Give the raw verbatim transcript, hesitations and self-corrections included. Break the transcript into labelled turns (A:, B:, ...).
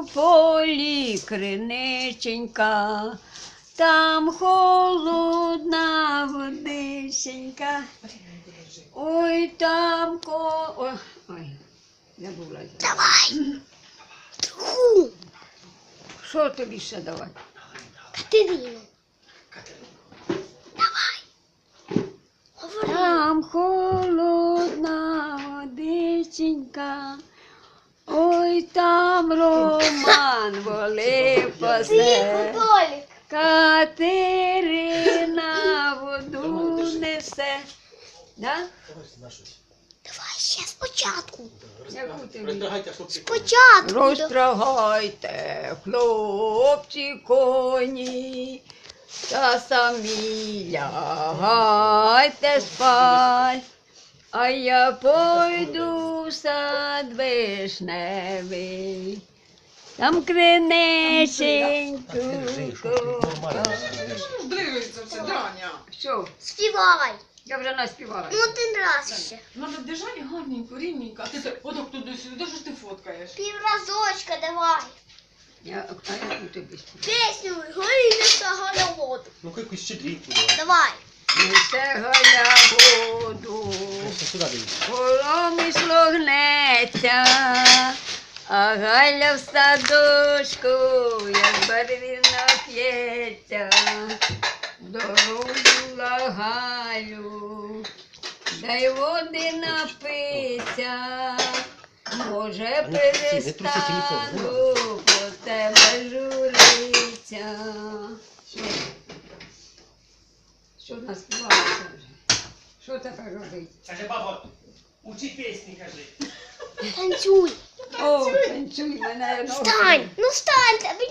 A: полі криниченька, там холодна водиченька. Ой, там ко... Ой, ой, забула.
B: Давай. Другу.
A: Що тобі ще давати?
B: Катерину. Давай. Говори.
A: Там холодна водиченька, ой, там Роман воли
B: Тихо,
A: пасе.
B: Толік.
A: Катерина воду несе. Да?
B: Давай ще спочатку.
A: Яку тобі?
C: Роздрагайте, хлопці.
B: Спочатку.
A: Розтрагайте, хлопці, коні, та самі лягайте спать, а я пойду в сад вишневий, там криниченьку.
D: Дивиться все, Даня.
A: Що,
B: Співай.
A: я вже наспівала.
B: Ну один раз ще.
D: Надо держати гарненько, рівненько. А ти так, отак туди-сюди, де ж ти фоткаєш?
B: Півразочка давай.
A: Я, а яку тобі співаю?
B: Пісню «Грінеться головоду».
C: Ну-ка якусь щедрівку давай.
B: Давай.
A: Несе Галя воду,
C: Просто сюди дивіться.
A: промисло гнеться, а Галя в садочку, як барвіна п'ється. Дорогу Галю, дай води напиться, може
C: не трусіть, не трусіть телефон,
A: перестану по тебе журиться. Що в нас співалося вже? Що тепер робити?
C: Каже, баба, учи пісні, каже.
B: Танцюй.
A: О, танцюй мене ноги.
B: Встань. Ну встань, тобі